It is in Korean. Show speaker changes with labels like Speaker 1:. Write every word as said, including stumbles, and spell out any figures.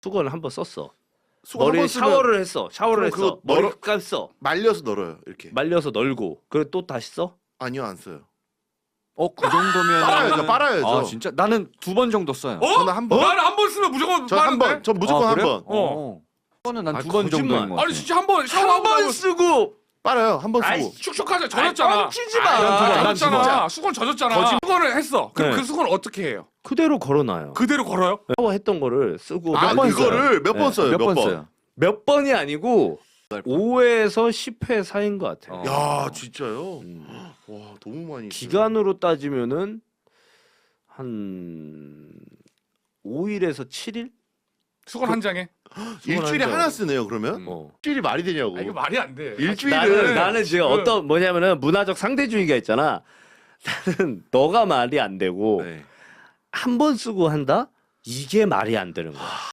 Speaker 1: 수건을 한 번 썼어.
Speaker 2: 수건
Speaker 1: 머리에
Speaker 2: 한번 쓰면
Speaker 1: 샤워를 했어. 샤워를
Speaker 2: 그럼
Speaker 1: 했어.
Speaker 2: 그거
Speaker 1: 머리
Speaker 2: 널어-
Speaker 1: 감았어.
Speaker 2: 말려서 널어요 이렇게.
Speaker 1: 말려서 널고. 그래 또 다시 써?
Speaker 2: 아니요 안 써요.
Speaker 3: 어, 그 정도면
Speaker 2: 빨아야죠, 빨아야죠.
Speaker 3: 아, 진짜 나는 두 번 정도 써요.
Speaker 4: 어?
Speaker 2: 저는 한 번.
Speaker 4: 나는 한 번 쓰면 무조건
Speaker 2: 저 한
Speaker 4: 빠른데?
Speaker 2: 번. 전 무조건
Speaker 3: 아,
Speaker 2: 한
Speaker 3: 그래?
Speaker 2: 번.
Speaker 3: 어. 그거는 난
Speaker 1: 아,
Speaker 3: 두 번
Speaker 1: 거짓말.
Speaker 3: 정도인 것 같아.
Speaker 4: 아니 진짜 한 번
Speaker 1: 한
Speaker 4: 샤워하고
Speaker 1: 번
Speaker 4: 나면
Speaker 1: 쓰고.
Speaker 2: 빨아요 한 번
Speaker 1: 아이,
Speaker 2: 쓰고.
Speaker 4: 축축하자 젖었잖아.
Speaker 1: 뻥치지 마.
Speaker 4: 아,
Speaker 3: 난 두 번, 난 두 번.
Speaker 4: 젖었잖아. 수건 젖었잖아.
Speaker 1: 거짓말.
Speaker 4: 수건을 했어. 그럼
Speaker 1: 네.
Speaker 4: 그 수건 어떻게 해요?
Speaker 1: 그대로 걸어놔요.
Speaker 4: 그대로 걸어요?
Speaker 1: 샤워했던 거를 쓰고
Speaker 2: 아
Speaker 1: 몇 번 써요.
Speaker 2: 그거를 몇 번
Speaker 3: 네,
Speaker 2: 써요?
Speaker 3: 몇
Speaker 2: 몇
Speaker 3: 번
Speaker 2: 번?
Speaker 3: 써요.
Speaker 1: 몇 번이 아니고 오에서 십 회 사이인 것 같아요.
Speaker 3: 어.
Speaker 2: 야 진짜요?
Speaker 1: 음.
Speaker 2: 와 너무 많이. 써요.
Speaker 1: 기간으로 따지면은 한 오 일에서 칠 일?
Speaker 4: 수건 한 장에?
Speaker 2: 일주일에
Speaker 1: 한
Speaker 2: 하나
Speaker 1: 장.
Speaker 2: 쓰네요 그러면?
Speaker 4: 음.
Speaker 1: 어.
Speaker 2: 일주일이 말이 되냐고.
Speaker 4: 아 이거 말이 안 돼.
Speaker 2: 일주일은
Speaker 1: 나는 나는 지금
Speaker 4: 그-
Speaker 1: 어떤 뭐냐면은 문화적 상대주의가 있잖아. 나는 너가 말이 안 되고
Speaker 2: 네.
Speaker 1: 한 번 쓰고 한다? 이게 말이 안 되는 거야.